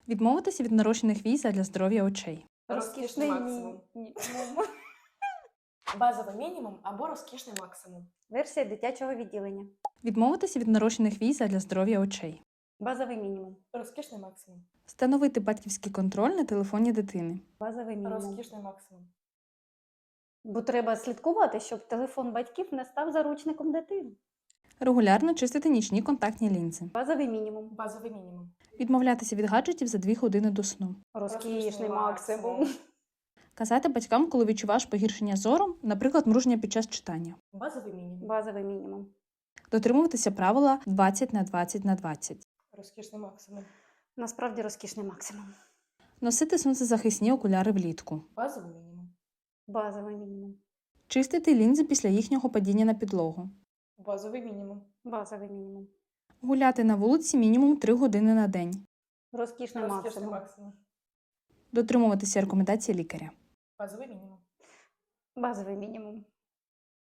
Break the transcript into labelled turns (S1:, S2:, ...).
S1: Відмовитися від нарощених вій задля здоров'я очей.
S2: Розкішний максимум.
S3: Базовий мінімум або розкішний максимум.
S2: Версія дитячого відділення.
S1: Відмовитися від нарощених вій задля здоров'я очей.
S2: Базовий мінімум.
S3: Розкішний максимум.
S1: Встановити батьківський контроль на телефоні дитини.
S2: Базовий мінімум.
S3: Розкішний максимум.
S2: Бо треба слідкувати, щоб телефон батьків не став заручником дитини.
S1: Регулярно чистити нічні контактні лінзи.
S2: Базовий мінімум.
S3: Базовий мінімум.
S1: Відмовлятися від гаджетів за 2 години до сну.
S2: Розкішний максимум.
S1: Казати батькам, коли відчуваєш погіршення зору, наприклад, мруження під час читання.
S3: Базовий мінімум.
S2: Базовий мінімум.
S1: Дотримуватися правила 20/20/20.
S3: Розкішний максимум.
S2: Насправді розкішний максимум.
S1: Носити сонцезахисні окуляри влітку.
S3: Базовий мінімум.
S2: Базовий мінімум.
S1: Чистити лінзи після їхнього падіння на підлогу.
S3: Базовий мінімум.
S2: Базовий мінімум.
S1: Гуляти на вулиці мінімум 3 години на день.
S2: Розкішний
S3: Розкішний
S2: максимум.
S3: максимум.
S1: Дотримуватися рекомендацій лікаря.
S3: Базовий мінімум.
S2: Базовий мінімум.